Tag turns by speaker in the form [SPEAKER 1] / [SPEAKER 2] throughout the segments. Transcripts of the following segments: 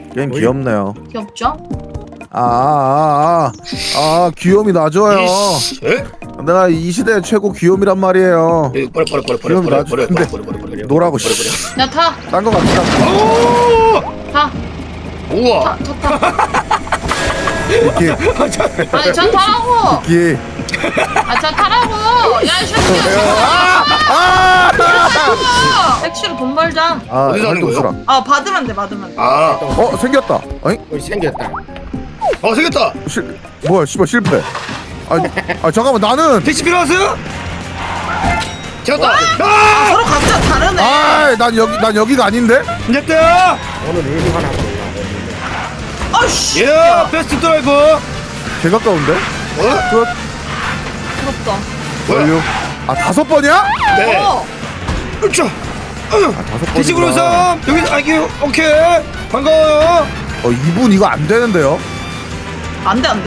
[SPEAKER 1] 게임 귀엽네요.
[SPEAKER 2] 귀엽죠?
[SPEAKER 1] 귀염이 놔줘요.
[SPEAKER 3] 에?
[SPEAKER 1] 내가 이 시대 최고 귀염이란 말이에요.
[SPEAKER 3] 버려.
[SPEAKER 1] 노라고 씨.
[SPEAKER 2] 야 타.
[SPEAKER 1] 딴 거 갑시다.
[SPEAKER 2] 타.
[SPEAKER 3] 우와.
[SPEAKER 1] 이렇게
[SPEAKER 2] 아니 저 타라고.
[SPEAKER 1] 이렇게.
[SPEAKER 2] 저 타라고. 야이 새끼야. 택시로 돈 벌자.
[SPEAKER 3] 어디서 하는 거예요?
[SPEAKER 2] 받으면 돼.
[SPEAKER 1] 생겼다. 아니
[SPEAKER 4] 생겼다.
[SPEAKER 3] 생겼다.
[SPEAKER 1] 뭐야 씨발 실패. 잠깐만 나는.
[SPEAKER 3] 택시 필요하세요? 잡았다.
[SPEAKER 2] 서로 각자 다르네.
[SPEAKER 1] 난 여기가 아닌데.
[SPEAKER 3] 됐다.
[SPEAKER 4] 오늘 일이 하나
[SPEAKER 2] 아씨.
[SPEAKER 3] 예, 베스트 드라이버.
[SPEAKER 1] 개 가까운데. 끝.
[SPEAKER 2] 부럽다.
[SPEAKER 1] 완료. 5번이야?
[SPEAKER 3] 네. 으쌰.
[SPEAKER 1] 5번.
[SPEAKER 3] 택시 불러서 여기서 오케이. 반가워요.
[SPEAKER 1] 이분 이거 안 되는데요?
[SPEAKER 2] 안 돼.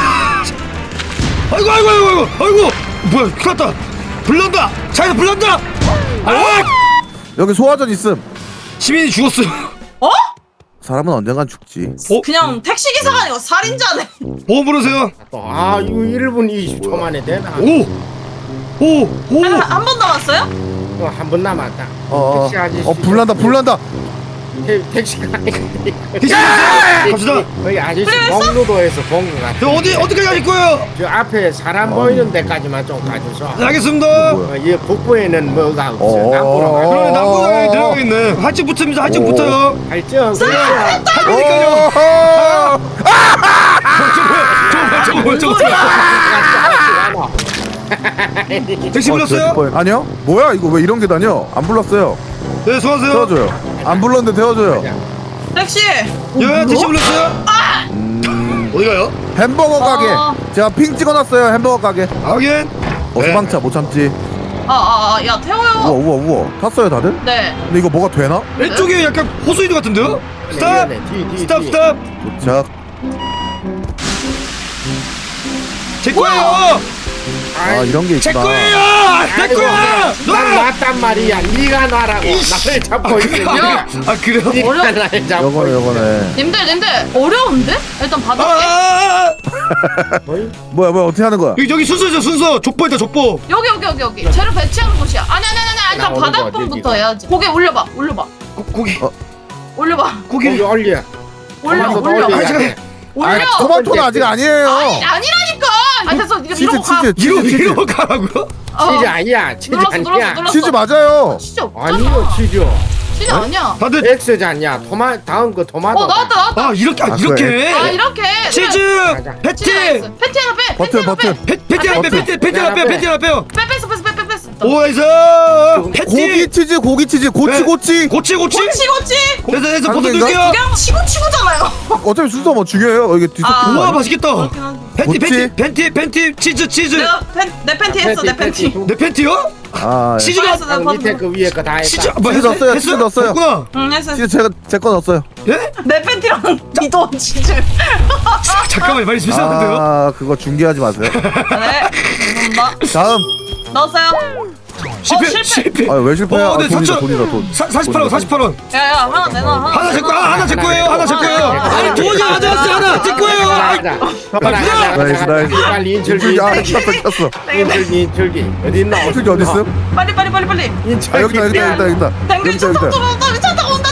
[SPEAKER 3] 아이고. 뭐야? 큰일 났다. 불난다. 차에서 불난다.
[SPEAKER 1] 여기 소화전 있음.
[SPEAKER 3] 시민이 죽었어.
[SPEAKER 1] 사람은 언젠간 죽지.
[SPEAKER 2] 그냥 택시 기사가 아니고 살인자네.
[SPEAKER 3] 보험 부르세요.
[SPEAKER 4] 이거 1분 20초 만에 되나?
[SPEAKER 3] 오.
[SPEAKER 2] 한 번 남았어요?
[SPEAKER 4] 한 번 남았다. 택시 아저씨.
[SPEAKER 1] 불난다.
[SPEAKER 4] 택시가 아니고
[SPEAKER 3] 택시 갑시다.
[SPEAKER 4] 거기 아저씨 공로도에서 본 것 같아.
[SPEAKER 3] 어떻게 가실 거예요?
[SPEAKER 4] 저 앞에 사람 보이는 데까지만 좀 가줘서.
[SPEAKER 3] 네, 알겠습니다.
[SPEAKER 4] 이 북부에는 뭐가 없어. 남부로 가.
[SPEAKER 3] 그러면 남부강에 들어가 있네. 할증 붙습니다. 할증 붙어요.
[SPEAKER 4] 할증.
[SPEAKER 3] 할거니까요. 저거. 택시 불렀어요?
[SPEAKER 1] 아니요. 뭐야 이거 왜 이런 게 다녀? 안 불렀어요.
[SPEAKER 3] 네, 수고하세요.
[SPEAKER 1] 태워줘요. 안 불렀는데 태워줘요.
[SPEAKER 2] 택시.
[SPEAKER 3] 예, 택시 불렀어요? 어디 가요?
[SPEAKER 1] 햄버거 가게. 제가 핑 찍어놨어요. 햄버거 가게.
[SPEAKER 3] 확인.
[SPEAKER 1] 소방차 못 참지.
[SPEAKER 2] 야 태워요.
[SPEAKER 1] 우와. 탔어요 다들?
[SPEAKER 2] 네.
[SPEAKER 1] 근데 이거 뭐가 되나?
[SPEAKER 3] 왼쪽에 약간 호수이드 같은데요? 스탑! 스탑!
[SPEAKER 1] 도착.
[SPEAKER 3] 제 거예요!
[SPEAKER 1] 이런 게
[SPEAKER 3] 제
[SPEAKER 1] 있구나.
[SPEAKER 3] 거예요! 내 거야!
[SPEAKER 4] 난 놨단 말이야. 네가 놔라고. 나를 잡고 있으니까.
[SPEAKER 3] 그래요?
[SPEAKER 4] 네가 나를 잡고
[SPEAKER 1] 요거네.
[SPEAKER 2] 님들 어려운데? 일단 받을게.
[SPEAKER 1] 뭐야 어떻게 하는 거야?
[SPEAKER 3] 여기 순서죠, 순서. 족보 있다, 족보.
[SPEAKER 2] 여기. 재료 배치하는 곳이야. 아니. 일단
[SPEAKER 4] 나
[SPEAKER 2] 바닥분부터
[SPEAKER 4] 어디
[SPEAKER 2] 해야지. 고개 올려봐.
[SPEAKER 3] 고기.
[SPEAKER 2] 올려봐.
[SPEAKER 4] 고기 올려.
[SPEAKER 2] 올려. 올려.
[SPEAKER 1] 토마토는 아직 아니에요.
[SPEAKER 2] 아니라니까. 됐어. 이러고 가.
[SPEAKER 3] 이러고 가라고요?
[SPEAKER 4] 치즈 아니야. 치즈 아니야.
[SPEAKER 2] 눌렀어.
[SPEAKER 1] 치즈 맞아요.
[SPEAKER 2] 치즈 없잖아.
[SPEAKER 4] 아니요 치즈.
[SPEAKER 2] 치즈 아니야.
[SPEAKER 3] 다들
[SPEAKER 4] X잖냐. 다음 거 토마토.
[SPEAKER 2] 나왔다.
[SPEAKER 3] 이렇게
[SPEAKER 1] 그래.
[SPEAKER 2] 이렇게.
[SPEAKER 3] 치즈!
[SPEAKER 4] 맞아.
[SPEAKER 3] 패티!
[SPEAKER 2] 패티 하나 빼.
[SPEAKER 1] 버튼.
[SPEAKER 3] 패티 하나 빼요.
[SPEAKER 2] 뺐어.
[SPEAKER 3] 오에서 패티!
[SPEAKER 1] 고기 치즈 고치.
[SPEAKER 3] 고치!
[SPEAKER 2] 고치.
[SPEAKER 3] 됐어, 버튼
[SPEAKER 1] 상대인가?
[SPEAKER 3] 들게요.
[SPEAKER 2] 그냥 치고잖아요.
[SPEAKER 1] 어차피 순서 뭐 중요해요. 이게 뒤섞이는 거
[SPEAKER 3] 우와,
[SPEAKER 1] 아니야?
[SPEAKER 3] 맛있겠다.
[SPEAKER 1] 고치?
[SPEAKER 3] 팬티, 치즈.
[SPEAKER 2] 내가 내 팬티 했어. 내 팬티.
[SPEAKER 3] 내 팬티요? 치즈가
[SPEAKER 2] 했어. 나
[SPEAKER 4] 밑에 그 위에 거 다 했다.
[SPEAKER 3] 치즈
[SPEAKER 1] 치즈 넣었어요.
[SPEAKER 3] 했구나.
[SPEAKER 2] 응 했어.
[SPEAKER 1] 치즈 제 거 넣었어요.
[SPEAKER 3] 예?
[SPEAKER 2] 내 팬티랑 니도 치즈.
[SPEAKER 3] 잠깐만, 말이 비슷한데요?
[SPEAKER 1] 그거 중계하지 마세요.
[SPEAKER 2] 네. 죄송합니다.
[SPEAKER 1] 다음.
[SPEAKER 2] 넣었어요.
[SPEAKER 3] 실패.
[SPEAKER 1] 왜 실패야?
[SPEAKER 3] 네,
[SPEAKER 1] 돈이다 돈.
[SPEAKER 3] 48원.
[SPEAKER 2] 야야 하나 내놔.
[SPEAKER 3] 하나 제 거야. 하나 제 거예요. 아니, 돈이 가져왔어. 하나 제 거예요.
[SPEAKER 1] 나이스.
[SPEAKER 4] 빨리 인철기.
[SPEAKER 1] 켰어.
[SPEAKER 4] 인철기. 어디 있나?
[SPEAKER 1] 어떻게 어디 있어?
[SPEAKER 2] 빨리.
[SPEAKER 4] 인철기.
[SPEAKER 1] 여기다.
[SPEAKER 2] 당근 차 타고 온다.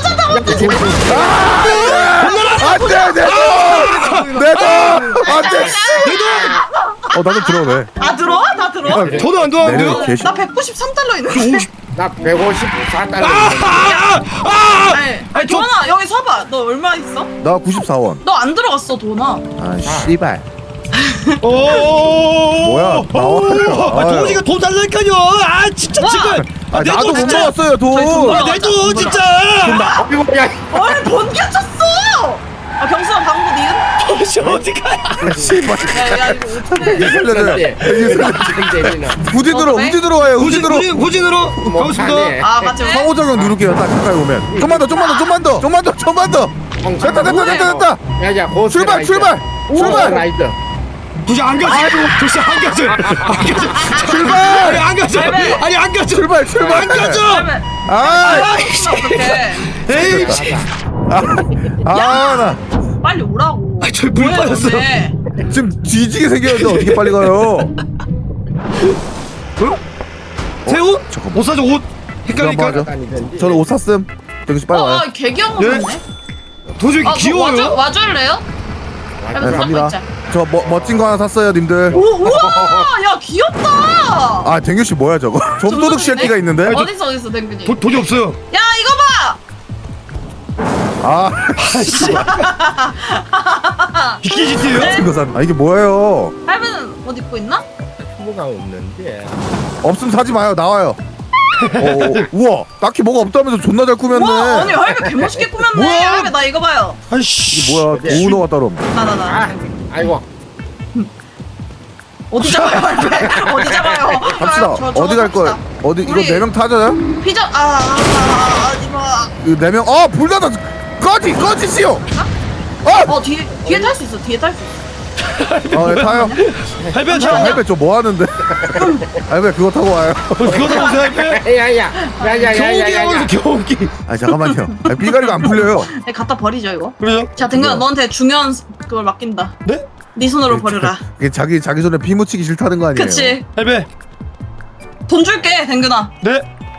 [SPEAKER 1] 안돼 내 돈. 안돼. 나도 들어오네.
[SPEAKER 2] 들어와? 다 들어와?
[SPEAKER 3] 저도 안 들어왔는데요?
[SPEAKER 2] 나 193달러 있는데.
[SPEAKER 4] 나 154달러.
[SPEAKER 2] 아니 도나 여기 서봐. 너 얼마 있어?
[SPEAKER 1] 나 94원.
[SPEAKER 2] 너 안 들어갔어 도나.
[SPEAKER 1] 씨발.
[SPEAKER 3] 뭐야?
[SPEAKER 1] 나와.
[SPEAKER 3] 도지가 돈 달라니까요. 진짜 지금.
[SPEAKER 1] 나도 못 먹었어요 돈.
[SPEAKER 3] 내 돈 진짜.
[SPEAKER 2] 아니 번개쳤어. 경수랑 방구 니은?
[SPEAKER 3] 도시 어디 가야?
[SPEAKER 1] 씨발.
[SPEAKER 2] 야 이거
[SPEAKER 1] 살려줘요. 우진으로 와요. 우진으로.
[SPEAKER 3] 후진으로 가겠습니다.
[SPEAKER 2] 맞지.
[SPEAKER 1] 상호작용 누를게요. 딱 가까이 오면. 좀만 더. 됐다.
[SPEAKER 4] 야야
[SPEAKER 1] 출발.
[SPEAKER 4] 라이드.
[SPEAKER 3] 도시 안 가지. 도시 안 가지.
[SPEAKER 1] 출발.
[SPEAKER 3] 안 가지. 아니 안 가지.
[SPEAKER 1] 출발.
[SPEAKER 3] 안 가죠.
[SPEAKER 1] 아.
[SPEAKER 2] 어떡해.
[SPEAKER 3] 에이.
[SPEAKER 1] 나
[SPEAKER 2] 빨리 오라고.
[SPEAKER 3] 아, 저기 물
[SPEAKER 2] 뭐야,
[SPEAKER 3] 빠졌어.
[SPEAKER 2] 근데?
[SPEAKER 1] 지금 뒤지게 생겼는데 어떻게 빨리 가요?
[SPEAKER 3] 새 옷?
[SPEAKER 1] 잠깐만.
[SPEAKER 3] 옷 사줘 옷.
[SPEAKER 1] 이거 한번
[SPEAKER 3] 헷갈리니까.
[SPEAKER 1] 하죠. 저는 옷 샀음. 정신 빨리 와요.
[SPEAKER 2] 개귀여운 거
[SPEAKER 3] 네?
[SPEAKER 2] 같네.
[SPEAKER 3] 도저히 귀여워요.
[SPEAKER 2] 와줄래요?
[SPEAKER 1] 네,
[SPEAKER 2] 잡고
[SPEAKER 1] 갑니다.
[SPEAKER 2] 있자.
[SPEAKER 1] 저 멋진 거 하나 샀어요, 님들.
[SPEAKER 2] 우와, 야 귀엽다.
[SPEAKER 1] 아, 댕규 씨 뭐야 저거? 좀도둑 쉐티가 있는데?
[SPEAKER 2] 어딨어, 댕근이.
[SPEAKER 3] 돈이 없어요.
[SPEAKER 2] 야, 이거 봐.
[SPEAKER 1] 아,
[SPEAKER 3] 비키지트예요?
[SPEAKER 1] 이거 산. 아, 이게 뭐예요?
[SPEAKER 2] 할배는 옷 입고 있나?
[SPEAKER 4] 뭐가 없는데.
[SPEAKER 1] 없으면 사지 마요. 나와요. 우와, 딱히 뭐가 없다면서 존나 잘 꾸몄네.
[SPEAKER 2] 와, 아니 할배 개멋있게 꾸몄네.
[SPEAKER 3] 뭐야?
[SPEAKER 2] 할배 나 이거 봐요.
[SPEAKER 3] 아이씨.
[SPEAKER 1] 이게 뭐야? 오너가 따로 없네.
[SPEAKER 2] 나.
[SPEAKER 4] 아이고.
[SPEAKER 2] 어디 잡아요, 할배? 어디 잡아요?
[SPEAKER 1] 갑시다. 어디 갈 거야? 어디 이거
[SPEAKER 2] 우리-
[SPEAKER 1] 4명 타져요?
[SPEAKER 2] 피자 이거.
[SPEAKER 1] 이거 4명. 불 닫아. 꺼지시오.
[SPEAKER 2] 뒤에 탈 수 있어. 뒤에 탈 수 있어.
[SPEAKER 1] 네, 타요.
[SPEAKER 3] 할배
[SPEAKER 1] 자,
[SPEAKER 3] 차.
[SPEAKER 1] 할배 저 뭐 하는데? 할배 그거 타고 와요.
[SPEAKER 3] 그거 타고 오세요 할배.
[SPEAKER 4] 야야야야야야야야.
[SPEAKER 3] 겨우기.
[SPEAKER 1] 아, 잠깐만요. 삐가리가 안 풀려요.
[SPEAKER 2] 네, 갖다 버리죠 이거.
[SPEAKER 3] 그래요?
[SPEAKER 2] 자, 댕근아 너한테 중요한 그걸 맡긴다.
[SPEAKER 3] 네?
[SPEAKER 2] 네 손으로 버려라.
[SPEAKER 1] 이게 자기 손에 피 묻히기 싫다는 거 아니에요?
[SPEAKER 2] 그치?
[SPEAKER 3] 할배.
[SPEAKER 2] 돈 줄게, 댕근아.
[SPEAKER 3] 네.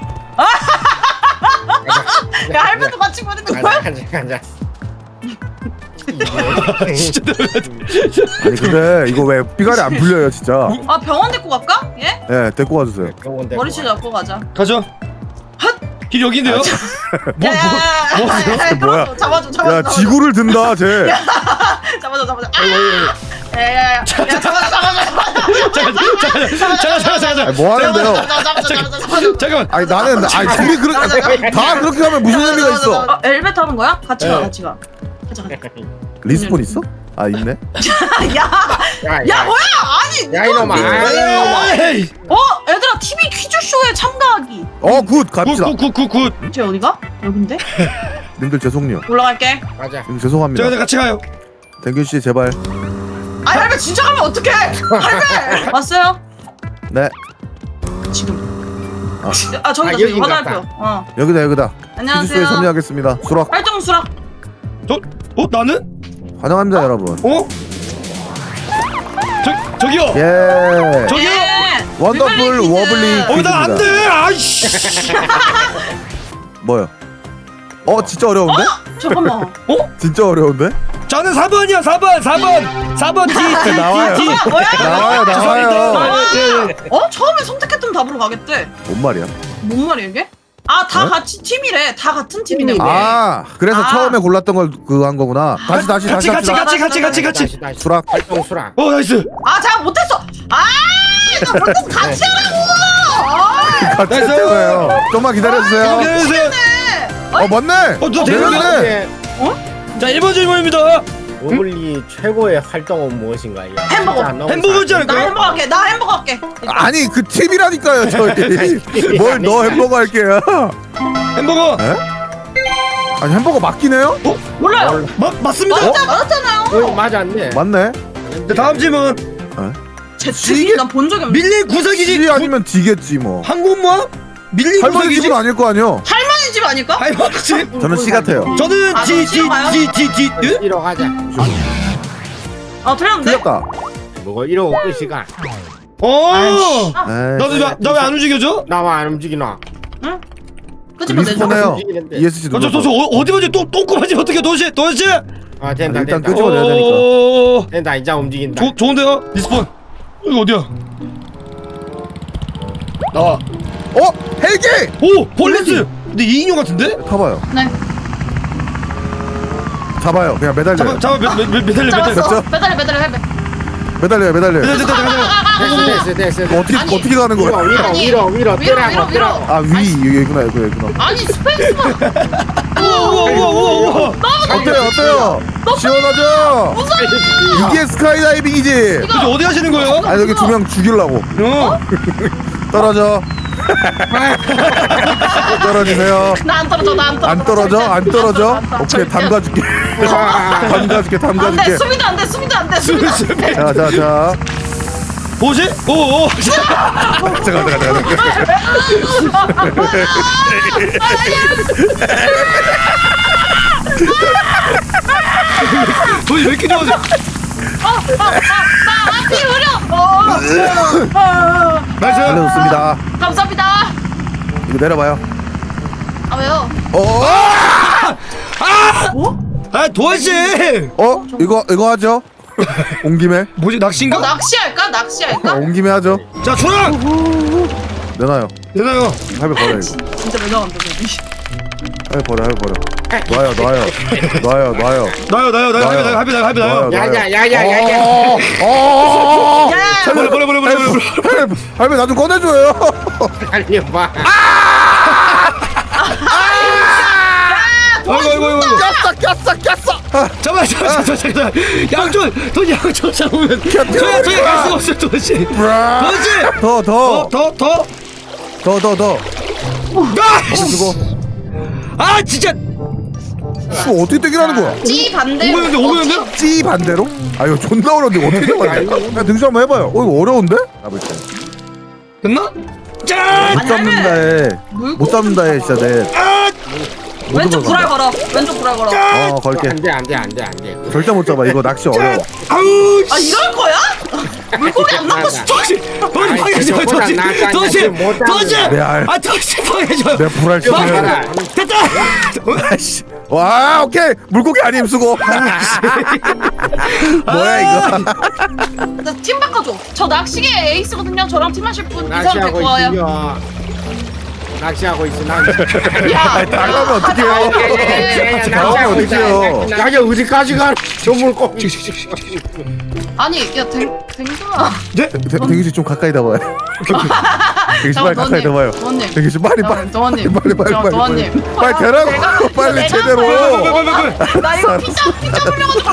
[SPEAKER 2] 야, 할배도 같이 버리는 거야?
[SPEAKER 4] 가자.
[SPEAKER 3] 진짜
[SPEAKER 1] 아니 근데 이거 왜 삐가리 안 풀려요 진짜?
[SPEAKER 2] 아, 병원 데리고 갈까? 예?
[SPEAKER 1] 예, 데리고 와주세요.
[SPEAKER 2] 머리채 잡고 가자.
[SPEAKER 3] 가죠. 길 여기인데요? 뭐
[SPEAKER 2] 야,
[SPEAKER 1] 뭐야?
[SPEAKER 2] 잡아줘.
[SPEAKER 1] 야, 지구를 든다 쟤.
[SPEAKER 2] 잡아줘. 야, 잡아줘.
[SPEAKER 1] 아니, 뭐 하는데요?
[SPEAKER 2] 잡아줘.
[SPEAKER 3] 잠깐만.
[SPEAKER 1] 아니 나는 둘이 다 그렇게 하면 무슨 의미가 있어?
[SPEAKER 2] 엘리베이터 하는 거야? 같이 가.
[SPEAKER 3] 네.
[SPEAKER 2] 가자.
[SPEAKER 1] 리스폰 있어? 아 있네.
[SPEAKER 2] 야, 뭐야? 아니,
[SPEAKER 4] 야, 이놈아.
[SPEAKER 3] 에이.
[SPEAKER 2] 얘들아, TV 퀴즈쇼에 참가하기.
[SPEAKER 1] 굿 갑시다.
[SPEAKER 3] 굿.
[SPEAKER 2] 쟤 어디가? 여긴데?
[SPEAKER 1] 님들 죄송해요.
[SPEAKER 2] 올라갈게.
[SPEAKER 4] 가자.
[SPEAKER 1] 님들 죄송합니다.
[SPEAKER 3] 제가 같이 가요.
[SPEAKER 1] 댕균 씨 제발.
[SPEAKER 2] 아니, 할배 진짜 가면 어떡해? 할배! 왔어요?
[SPEAKER 1] 네.
[SPEAKER 2] 지금. 저기
[SPEAKER 4] 아,
[SPEAKER 2] 저기
[SPEAKER 4] 여긴가
[SPEAKER 2] 화살표.
[SPEAKER 1] 여기다. 퀴즈쇼에
[SPEAKER 2] 안녕하세요.
[SPEAKER 1] 참여하겠습니다. 수락
[SPEAKER 2] 활동 수락.
[SPEAKER 3] 나는?
[SPEAKER 1] 환영합니다 여러분.
[SPEAKER 3] 저기요.
[SPEAKER 1] 예.
[SPEAKER 3] 저기요.
[SPEAKER 2] 예.
[SPEAKER 1] 원더풀
[SPEAKER 2] 퀴즈.
[SPEAKER 1] 워블리.
[SPEAKER 3] 나 안 돼. 아이씨.
[SPEAKER 1] 뭐요? 진짜 어려운데?
[SPEAKER 2] 잠깐만.
[SPEAKER 1] 진짜 어려운데?
[SPEAKER 3] 저는 4번이요. 4번 D.
[SPEAKER 1] 나와요.
[SPEAKER 2] 뭐야?
[SPEAKER 1] 나와요.
[SPEAKER 2] 처음에 선택했던 답으로 가겠대.
[SPEAKER 1] 뭔 말이야?
[SPEAKER 2] 뭔 말이야 이게? 다 같이 팀이래. 다 같은 팀이네.
[SPEAKER 1] 그래서 처음에 골랐던 걸 그거 한 거구나. 다시
[SPEAKER 3] 같이
[SPEAKER 4] 다시.
[SPEAKER 1] 수락.
[SPEAKER 4] 활동 수락.
[SPEAKER 3] 나이스.
[SPEAKER 2] 잘 못했어. 나 못해서 같이 하라고.
[SPEAKER 1] 같이
[SPEAKER 3] 나이스.
[SPEAKER 1] 했잖아요. 좀만 기다려주세요.
[SPEAKER 3] 기다려주세요.
[SPEAKER 1] 맞네.
[SPEAKER 3] 너
[SPEAKER 1] 내년이네.
[SPEAKER 3] 자, 1번 질문입니다.
[SPEAKER 4] 오블리 최고의 활동은 무엇인가요?
[SPEAKER 3] 햄버거지 않을까요?
[SPEAKER 2] 나 햄버거 할게.
[SPEAKER 1] 아니 그 팁이라니까요 저희. 뭘 너 햄버거 할게요.
[SPEAKER 3] 햄버거.
[SPEAKER 1] 에? 아니 햄버거 맞긴 해요?
[SPEAKER 2] 몰라요.
[SPEAKER 3] 맞습니다.
[SPEAKER 2] 맞았잖아요.
[SPEAKER 4] 맞았네.
[SPEAKER 1] 맞네.
[SPEAKER 3] 네, 다음 질문.
[SPEAKER 2] 제 집이 난본 적이 없는데.
[SPEAKER 3] 밀린 구석이지.
[SPEAKER 1] C 아니면 D겠지 뭐.
[SPEAKER 3] 항공모함? 밀린
[SPEAKER 1] 할머니
[SPEAKER 3] 구석이지.
[SPEAKER 1] 집은 아닐 거 아니요.
[SPEAKER 2] 할머니 집 아닐까?
[SPEAKER 3] 할머니 집.
[SPEAKER 1] 저는 C 같아요.
[SPEAKER 3] 저는
[SPEAKER 2] 너 싫어 가요?
[SPEAKER 3] D.
[SPEAKER 4] 이러 가자.
[SPEAKER 2] 틀렸는데?
[SPEAKER 1] 틀렸다.
[SPEAKER 4] 뭐가 이러고 끝이가.
[SPEAKER 1] 에이,
[SPEAKER 3] 나왜 안 움직여줘?
[SPEAKER 4] 나와 안 움직이나.
[SPEAKER 2] 응? 끄집어 내줘.
[SPEAKER 1] 리스폰해요.
[SPEAKER 4] 움직이는데.
[SPEAKER 1] ESC
[SPEAKER 3] 저
[SPEAKER 1] 눌러서.
[SPEAKER 3] 어디 보지 또 똥꼬만지 어떻게 도시?
[SPEAKER 4] 아 된다
[SPEAKER 1] 일단
[SPEAKER 4] 된다.
[SPEAKER 1] 끄집어내야 되니까.
[SPEAKER 4] 된다 이제 움직인다.
[SPEAKER 3] 좋은데요? 리스폰. 이거 어디야? 나와.
[SPEAKER 1] 헬기!
[SPEAKER 3] 오 폴리스. 근데 2인용 같은데?
[SPEAKER 1] 타봐요.
[SPEAKER 2] 네.
[SPEAKER 1] 잡아요. 그냥 매달려요.
[SPEAKER 3] 잡아 매달려.
[SPEAKER 2] 잡았어.
[SPEAKER 1] 됐죠?
[SPEAKER 2] 매달려 해배.
[SPEAKER 1] 매달려요.
[SPEAKER 4] 됐어.
[SPEAKER 1] 어떻게 가는 거야?
[SPEAKER 4] 위로
[SPEAKER 2] 위로.
[SPEAKER 1] 아 여기구나.
[SPEAKER 2] 아니 스페이스만.
[SPEAKER 3] 우와.
[SPEAKER 1] 어때요? 시원하죠? 이게 스카이다이빙이지.
[SPEAKER 3] 근데 어디 가시는 거예요?
[SPEAKER 1] 아니 여기 2명 죽이려고. 떨어져. 떨어지세요.
[SPEAKER 2] 나 안 떨어져.
[SPEAKER 1] 안 떨어져? 오케이 담가줄게.
[SPEAKER 2] 안돼. 수비도 안 돼.
[SPEAKER 1] 자.
[SPEAKER 3] 뭐지? 오.
[SPEAKER 1] 잠깐.
[SPEAKER 3] 돈이 왜 이렇게 좋아져?
[SPEAKER 2] 나 앞이 흐려.
[SPEAKER 3] 나이스.
[SPEAKER 1] 알려줬습니다.
[SPEAKER 2] 감사합니다.
[SPEAKER 1] 이거 내려봐요.
[SPEAKER 2] 아 왜요?
[SPEAKER 3] 아 도환씨.
[SPEAKER 1] 이거 하죠. 온 김에.
[SPEAKER 3] 뭐지 낚시인가?
[SPEAKER 2] 낚시할까? 낚시할까?
[SPEAKER 1] 온 김에 하죠.
[SPEAKER 3] 자 초랑.
[SPEAKER 1] 내놔요.
[SPEAKER 3] 내놔요.
[SPEAKER 1] 할배 버려 이거.
[SPEAKER 2] 진짜 매너한다 너.
[SPEAKER 1] 할배 버려. 놔요.
[SPEAKER 3] 합의 나요.
[SPEAKER 4] 야야야야야야.
[SPEAKER 3] 버려.
[SPEAKER 1] 할배 나 좀 꺼내줘요.
[SPEAKER 4] 달려봐.
[SPEAKER 3] 아이고.
[SPEAKER 1] 꼈어.
[SPEAKER 3] 잠깐만. 양쪽 돈 양쪽 잡으면 저희 갈 수가 없어요 도환씨.
[SPEAKER 1] 더.
[SPEAKER 3] 아!
[SPEAKER 1] 주고.
[SPEAKER 3] 아 진짜.
[SPEAKER 1] 이거 어떻게 떼기라는 거야?
[SPEAKER 2] 찌 반대.
[SPEAKER 3] 오버였는데?
[SPEAKER 1] 찌 반대로? 아 이거 존나 어려운데 어떻게 잡아야 돼? 등수 한번 해봐요. 이거 어려운데? 잡을 때.
[SPEAKER 3] 됐나? 짠!
[SPEAKER 1] 못 잡는다 해. 못 잡는다 해 진짜 내.
[SPEAKER 3] 아!
[SPEAKER 2] 왼쪽 불알 걸어. 왼쪽 불알 걸어.
[SPEAKER 1] 걸게.
[SPEAKER 4] 안돼.
[SPEAKER 1] 절대 못 잡아. 이거 낚시 어려워.
[SPEAKER 3] 아우!
[SPEAKER 2] 아 이럴 거야? 물고기 안 나고 싶어.
[SPEAKER 3] 도시! 방해줘요 도시!
[SPEAKER 1] 내 알.
[SPEAKER 3] 아 도시 방해줘요.
[SPEAKER 1] 내가 불알 치면.
[SPEAKER 3] 됐다!
[SPEAKER 1] 아이씨. 와 오케이 물고기 아님 수고. 뭐야 이거?
[SPEAKER 2] 나 팀 바꿔줘. 저 낚시계 에이스거든요. 저랑 팀하실 분 이상 데리고
[SPEAKER 4] 낚시하고
[SPEAKER 2] 와요.
[SPEAKER 4] 있어. 낚시하고 있어.
[SPEAKER 2] 야,
[SPEAKER 1] 나가면 어떡해요?
[SPEAKER 4] 낚시하고
[SPEAKER 1] 어떡해요?
[SPEAKER 4] 있어. 야 어디까지 가? 저 물고기.
[SPEAKER 2] 아니 야 댕수아.
[SPEAKER 3] 네?
[SPEAKER 1] 대기씨 좀 가까이 나와요. 대기씨 빨리 가까이 나와요.
[SPEAKER 2] 도원님.
[SPEAKER 1] 대기씨 빨리.
[SPEAKER 2] 도원님.
[SPEAKER 1] 빨리 되라고. 빨리 제대로.
[SPEAKER 2] 나 이거 피자 물려가지고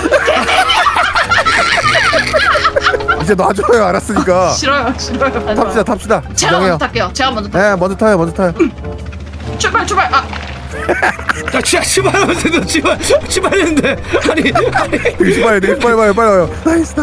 [SPEAKER 1] 이제 놔줘요 알았으니까.
[SPEAKER 2] 싫어요.
[SPEAKER 1] 탑시다.
[SPEAKER 2] 제가
[SPEAKER 1] 진정해요.
[SPEAKER 2] 먼저 탈게요. 제가 먼저 탈게요.
[SPEAKER 1] 네 먼저 타요.
[SPEAKER 2] 출발. 아
[SPEAKER 3] 나 진짜 치마했는데 아니
[SPEAKER 1] 대기씨 빨리 와요. 나이스.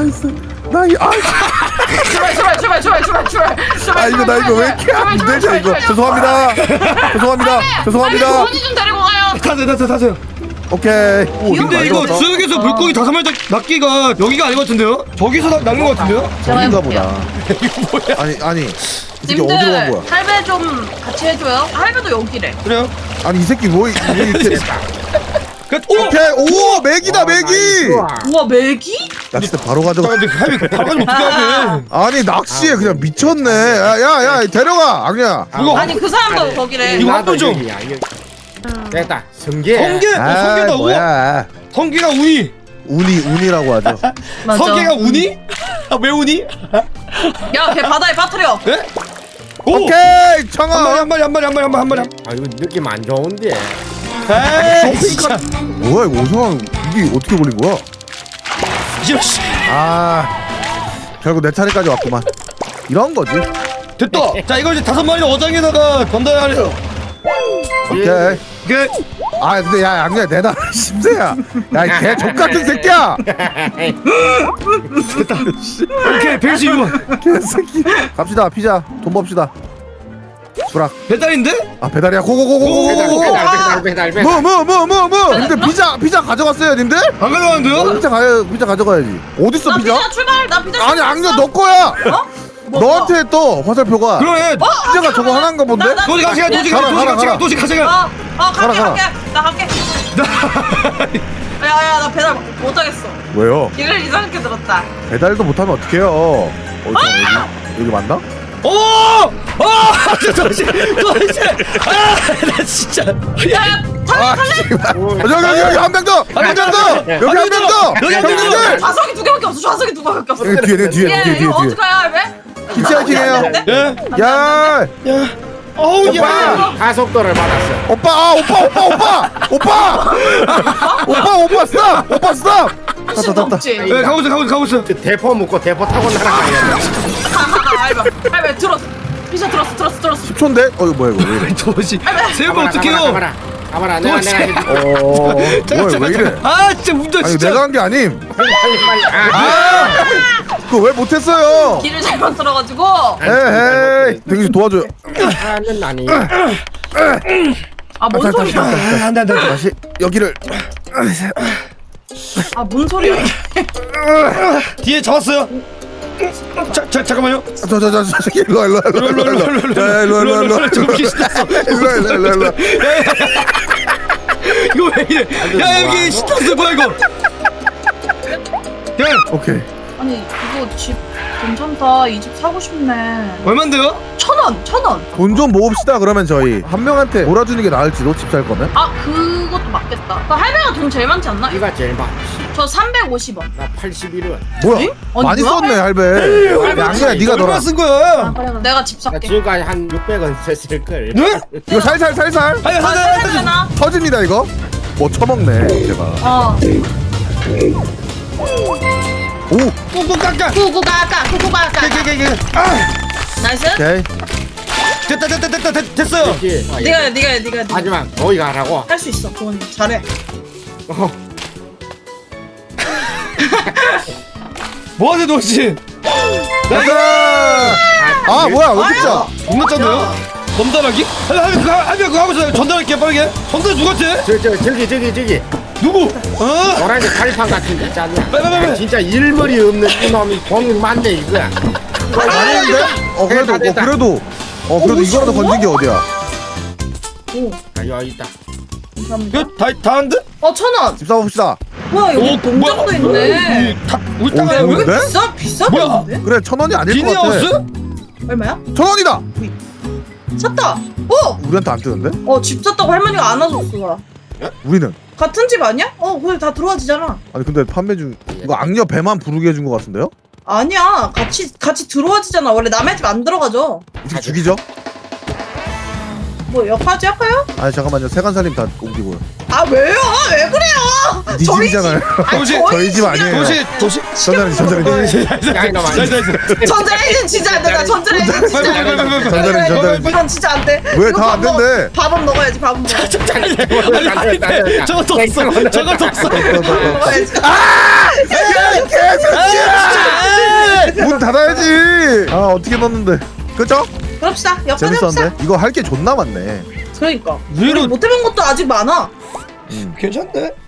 [SPEAKER 2] 출발.
[SPEAKER 1] 아 이거 나 이거 왜 이렇게 안 되죠 이거. 죄송합니다.
[SPEAKER 2] 도원이 좀 데리고 가요.
[SPEAKER 3] 타세요.
[SPEAKER 1] 오케이.
[SPEAKER 3] 근데 이거 지역에서 물고기 5마리 낚기가 여기가 아닌 것 같은데요? 저기서 낚는 것 같은데요?
[SPEAKER 2] 제가
[SPEAKER 1] 어딘가
[SPEAKER 2] 해볼게요.
[SPEAKER 1] 보다. 아니 이게 어디로 간
[SPEAKER 2] 님들
[SPEAKER 1] 거야?
[SPEAKER 2] 할배 좀 같이 해줘요. 할배도 여기래.
[SPEAKER 3] 그래요?
[SPEAKER 1] 아니 이 새끼 뭐 이렇게.
[SPEAKER 3] 오!
[SPEAKER 1] 오케이 오 맥이다 맥이.
[SPEAKER 2] 우와 맥이?
[SPEAKER 1] 낚싯대 바로 가져가.
[SPEAKER 3] 근데 할미 바로 가면 어떻게 하게?
[SPEAKER 1] 아니 낚시에 그냥 미쳤네. 야 데려가 악녀야.
[SPEAKER 3] 이거
[SPEAKER 2] 아니 그 사람도 거기래.
[SPEAKER 3] 이거 한번 좀.
[SPEAKER 4] 됐다. 성게.
[SPEAKER 3] 성게다
[SPEAKER 1] 뭐야?
[SPEAKER 3] 성게가 우니.
[SPEAKER 1] 운이라고 하죠.
[SPEAKER 2] 맞아.
[SPEAKER 3] 성게가 우니? 아 왜 우니?
[SPEAKER 2] 야, 걔 바다에 빠뜨려.
[SPEAKER 3] 네? 오!
[SPEAKER 1] 오케이 청아.
[SPEAKER 3] 한 마리.
[SPEAKER 4] 아 이거 느낌 안 좋은데.
[SPEAKER 3] 에이 진짜.
[SPEAKER 1] 뭐야 이거 오성환 이게 어떻게 걸린 거야?
[SPEAKER 3] 이씨.
[SPEAKER 1] 결국 내 차례까지 왔구만. 이런 거지.
[SPEAKER 3] 됐다. 자 이거 이제 5마리 어장에다가 건다야 하래요.
[SPEAKER 1] 오케이.
[SPEAKER 3] 이게
[SPEAKER 1] 근데 야 악녀야 내놔. 심세야. 야걔 족같은 새끼야.
[SPEAKER 3] 오케이 112번.
[SPEAKER 1] 개새끼. 갑시다 피자 돈 봅시다. 수락.
[SPEAKER 3] 배달인데?
[SPEAKER 1] 배달이야 고고고고고고.
[SPEAKER 4] 배달.
[SPEAKER 1] 뭐 님들 피자 가져갔어요 님들?
[SPEAKER 3] 안 가져가는데요?
[SPEAKER 1] 피자 가져가야지. 어딨어
[SPEAKER 2] 나
[SPEAKER 1] 피자?
[SPEAKER 2] 피자 출발. 나 피자
[SPEAKER 1] 아니
[SPEAKER 2] 출발.
[SPEAKER 1] 악녀 너 거야.
[SPEAKER 2] 어? 뭐,
[SPEAKER 1] 너한테 떠 화살표가.
[SPEAKER 3] 그래.
[SPEAKER 1] 피자가 저거 하나인가 본데?
[SPEAKER 3] 도시 가세요. 도시 가세요.
[SPEAKER 2] 갈게.
[SPEAKER 1] 가라.
[SPEAKER 2] 나 갈게. 야, 나 배달 못 하겠어.
[SPEAKER 1] 왜요?
[SPEAKER 2] 길을 이상하게 들었다.
[SPEAKER 1] 배달도 못하면 어떡해요? 여기 맞나?
[SPEAKER 3] 오! 도시. 나 진짜.
[SPEAKER 2] 야, 탈래?
[SPEAKER 1] 여기 한 명 더! 여기 한 명 더! 형님들!
[SPEAKER 2] 좌석이 2개밖에 없어. 좌석이 2개밖에 없어.
[SPEAKER 1] 뒤에.
[SPEAKER 2] 이거 어떡해요, 할배?
[SPEAKER 1] 히치하이킹해요.
[SPEAKER 3] 예?
[SPEAKER 1] 야!
[SPEAKER 3] 어우
[SPEAKER 1] 오빠!
[SPEAKER 3] 야.
[SPEAKER 4] 가속도를 받았어.
[SPEAKER 1] 오빠 스탑!
[SPEAKER 2] 수도 없지.
[SPEAKER 3] 예, 가고 있어.
[SPEAKER 4] 그 대포 묶고 대포 타고 날아가야
[SPEAKER 2] 할배 들었어. 피자 들었어.
[SPEAKER 1] 10초인데? 이거 뭐야 이거 왜 이래?
[SPEAKER 3] 도시. 세우면 어떡해요?
[SPEAKER 4] 가봐라. 내가
[SPEAKER 1] 뭐야 왜 이래?
[SPEAKER 3] 진짜 운전
[SPEAKER 1] 아니
[SPEAKER 3] 진짜.
[SPEAKER 1] 내가 한 게 아님.
[SPEAKER 4] 빨리.
[SPEAKER 1] 그거 왜 못했어요?
[SPEAKER 2] 길을 잘못 들어가지고.
[SPEAKER 1] 에헤이. 대기씨 도와줘요.
[SPEAKER 4] 하는 아니.
[SPEAKER 2] 뭔 소리야?
[SPEAKER 3] 안돼.
[SPEAKER 1] 다시 여기를.
[SPEAKER 2] 뭔 소리야?
[SPEAKER 3] 뒤에 잡았어요. 잠깐만요.
[SPEAKER 1] 저 일로 와. 자, 일로.
[SPEAKER 3] 좀 귀신났어.
[SPEAKER 1] 일로.
[SPEAKER 3] 이거 왜 이래? 야 여기 신났어 뭐야 이거? 야
[SPEAKER 1] 오케이.
[SPEAKER 2] 아니 이거 집 괜찮다. 이 집 사고 싶네.
[SPEAKER 3] 얼마인데요?
[SPEAKER 2] 1,000원.
[SPEAKER 1] 돈 좀 모읍시다. 그러면 저희 한 명한테 몰아주는 게 나을지도 집 살 거면.
[SPEAKER 2] 그것도 맞겠다. 그 할배가 돈 제일 많지 않나?
[SPEAKER 4] 네가 제일 많지.
[SPEAKER 2] 저 350원.
[SPEAKER 4] 나 81원.
[SPEAKER 1] 뭐야?
[SPEAKER 2] 에? 아니,
[SPEAKER 1] 많이
[SPEAKER 2] 뭐야?
[SPEAKER 1] 썼네 할배. 양이야 네가
[SPEAKER 3] 얼마
[SPEAKER 1] 너라.
[SPEAKER 3] 쓴 거야?
[SPEAKER 2] 그래. 내가 집
[SPEAKER 4] 나
[SPEAKER 2] 살게.
[SPEAKER 4] 지금까지 한 600원 썼을 걸.
[SPEAKER 3] 네?
[SPEAKER 1] 이거 살살.
[SPEAKER 3] 아니 하나.
[SPEAKER 2] 되나?
[SPEAKER 1] 터집니다 이거. 뭐 처먹네 제가. 오.
[SPEAKER 3] 꾹꾹 깎아.
[SPEAKER 2] 구구가까. 나이스.
[SPEAKER 1] 오케이.
[SPEAKER 3] 됐어요.
[SPEAKER 2] 네가
[SPEAKER 4] 하지만 너희가 하라고.
[SPEAKER 2] 할 수 있어. 도원이 잘해.
[SPEAKER 3] 뭐하세요 도시?
[SPEAKER 1] 가자. 아 뭐야 왜 이렇게 짜?
[SPEAKER 3] 겁나 짠데요? 전달하기? 할배 그거 하고 있어요. 전달할게 빠르게. 전달 누구한테?
[SPEAKER 4] 저기
[SPEAKER 3] 누구?
[SPEAKER 4] 노란색 가리판 같은 거 있잖아.
[SPEAKER 3] 빨리.
[SPEAKER 4] 진짜 일머리 없는 이놈이 공이 많네 이거.
[SPEAKER 1] 아닌데? 그래도 이거라도 건진 게 어디야?
[SPEAKER 4] 여기 있다.
[SPEAKER 2] 감사합니다.
[SPEAKER 3] 이거 다 한데?
[SPEAKER 2] 1,000원.
[SPEAKER 1] 집 사봅시다.
[SPEAKER 2] 와 여기 농장도 있네.
[SPEAKER 3] 우리 땅이야
[SPEAKER 1] 오,
[SPEAKER 3] 여기?
[SPEAKER 1] 네?
[SPEAKER 2] 비싸
[SPEAKER 3] 뭐야?
[SPEAKER 2] 보이는데?
[SPEAKER 1] 그래 1,000원이 아닐 것 같아.
[SPEAKER 3] 비니하우스?
[SPEAKER 2] 얼마야?
[SPEAKER 1] 1,000원이다.
[SPEAKER 2] 샀다.
[SPEAKER 1] 우리한테 안 뜨는데?
[SPEAKER 2] 집 샀다고 할머니가 안아줬어.
[SPEAKER 1] 우리는
[SPEAKER 2] 같은 집 아니야? 그래 다 들어와지잖아.
[SPEAKER 1] 아니 근데 판매 중 이거 악녀 배만 부르게 해준 것 같은데요?
[SPEAKER 2] 아니야. 같이 들어와지잖아. 원래 남의 집 안 들어가죠.
[SPEAKER 1] 이렇게 죽이죠?
[SPEAKER 2] 뭐 여기까지 할까요?
[SPEAKER 1] 아니 잠깐만요 세간살림 다 옮기고요.
[SPEAKER 2] 왜요? 왜 그래요?
[SPEAKER 1] 네
[SPEAKER 2] 저희
[SPEAKER 1] 집이잖아요.
[SPEAKER 3] 도시
[SPEAKER 1] 저희 집 아니에요.
[SPEAKER 3] 도시.
[SPEAKER 1] 전자레인지.
[SPEAKER 4] 야 이놈아.
[SPEAKER 2] 전자레인지 진짜 안 돼. 나 전자레인지 진짜 안 돼.
[SPEAKER 1] 전자레인지.
[SPEAKER 2] 이건 진짜 안 돼.
[SPEAKER 1] 왜
[SPEAKER 2] 이거
[SPEAKER 1] 다 안 된대?
[SPEAKER 2] 밥은 먹어야지. 밥은 먹어.
[SPEAKER 3] 저거 더 써. 저거 더 써.
[SPEAKER 2] 먹어야지.
[SPEAKER 1] 문 닫아야지. 아 어떻게 넣었는데? 그죠?
[SPEAKER 2] 그럽시다. 여기까지 합시다.
[SPEAKER 1] 재밌었는데? 이거 할 게 존나 많네.
[SPEAKER 2] 그러니까.
[SPEAKER 3] 의외로
[SPEAKER 2] 우리 못 해본 것도 아직 많아.
[SPEAKER 3] 괜찮네.